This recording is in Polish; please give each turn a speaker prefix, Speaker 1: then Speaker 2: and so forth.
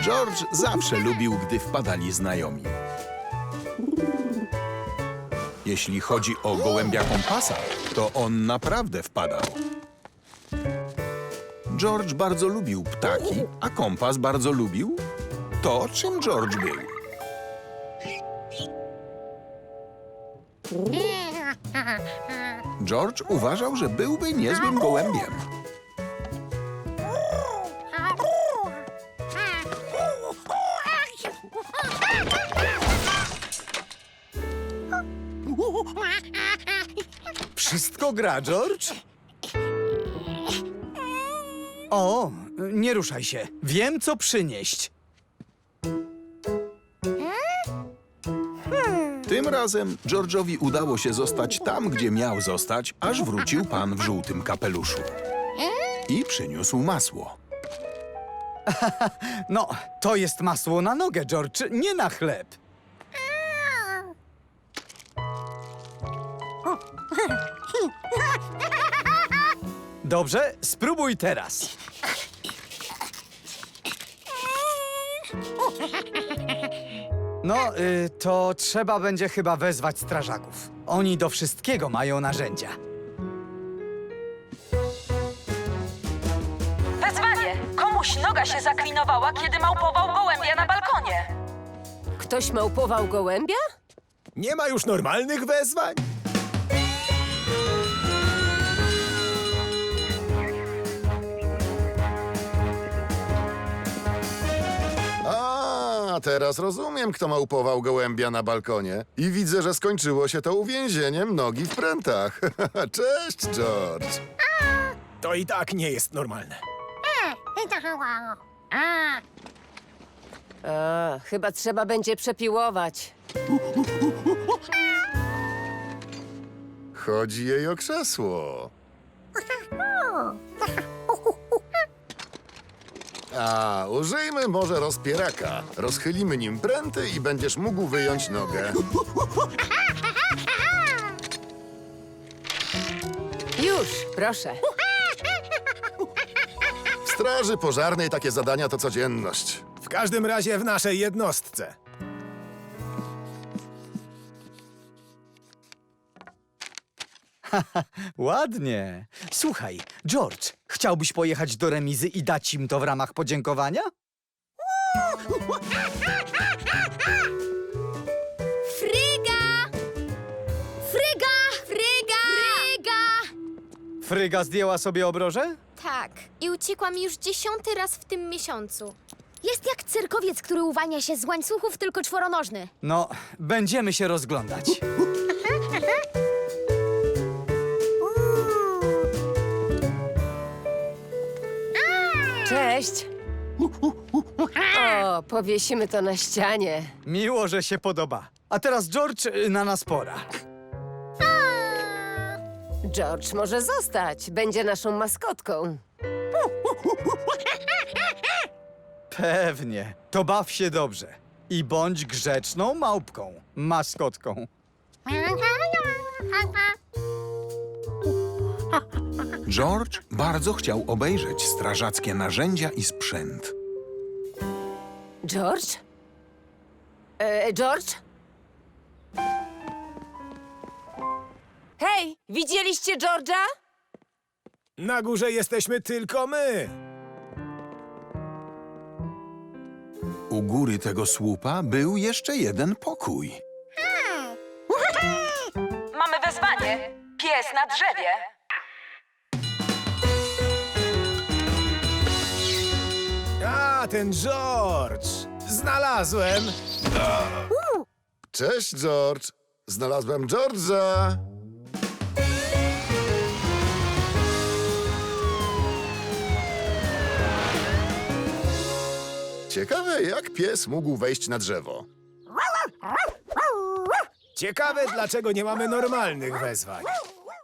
Speaker 1: George zawsze lubił, gdy wpadali znajomi. Jeśli chodzi o gołębia kompasa, to on naprawdę wpadał. George bardzo lubił ptaki, a kompas bardzo lubił to, czym George był. George uważał, że byłby niezłym gołębiem.
Speaker 2: Wszystko gra, George? O, nie ruszaj się. Wiem, co przynieść.
Speaker 1: Tym razem George'owi udało się zostać tam, gdzie miał zostać, aż wrócił pan w żółtym kapeluszu. I przyniósł masło.
Speaker 2: No, to jest masło na nogę, George, nie na chleb. Dobrze, spróbuj teraz. No, to trzeba będzie chyba wezwać strażaków. Oni do wszystkiego mają narzędzia.
Speaker 3: Wezwanie! Komuś noga się zaklinowała, kiedy małpował gołębia na balkonie.
Speaker 4: Ktoś małpował gołębia?
Speaker 5: Nie ma już normalnych wezwań?
Speaker 6: A, teraz rozumiem, kto małpował gołębia na balkonie. I widzę, że skończyło się to uwięzieniem nogi w prętach. Cześć, George.
Speaker 5: To i tak nie jest normalne.
Speaker 4: Chyba trzeba będzie przepiłować.
Speaker 6: Chodzi jej o krzesło. A, użyjmy może rozpieraka. Rozchylimy nim pręty i będziesz mógł wyjąć nogę.
Speaker 4: Już, proszę.
Speaker 6: W straży pożarnej takie zadania to codzienność.
Speaker 5: W każdym razie w naszej jednostce.
Speaker 2: Ładnie. Słuchaj, George, chciałbyś pojechać do remizy i dać im to w ramach podziękowania?
Speaker 7: Fryga! Fryga! Fryga! Fryga!
Speaker 2: Fryga zdjęła sobie obroże?
Speaker 7: Tak, i uciekłam już 10. raz w tym miesiącu. Jest jak cyrkowiec, który uwalnia się z łańcuchów, tylko czworonożny.
Speaker 2: No, będziemy się rozglądać.
Speaker 4: Cześć. O, powiesimy to na ścianie.
Speaker 2: Miło, że się podoba. A teraz, George, na nas pora.
Speaker 4: George może zostać. Będzie naszą maskotką.
Speaker 2: Pewnie. To baw się dobrze. I bądź grzeczną małpką, maskotką.
Speaker 1: George bardzo chciał obejrzeć strażackie narzędzia i sprzęt.
Speaker 4: George? George? Hej, widzieliście George'a?
Speaker 5: Na górze jesteśmy tylko my.
Speaker 1: U góry tego słupa był jeszcze jeden pokój.
Speaker 3: Mamy wezwanie. Pies na drzewie.
Speaker 5: A, ten George. Znalazłem.
Speaker 6: Cześć, George. Znalazłem George'a. Ciekawe, jak pies mógł wejść na drzewo.
Speaker 5: Ciekawe, dlaczego nie mamy normalnych wezwań.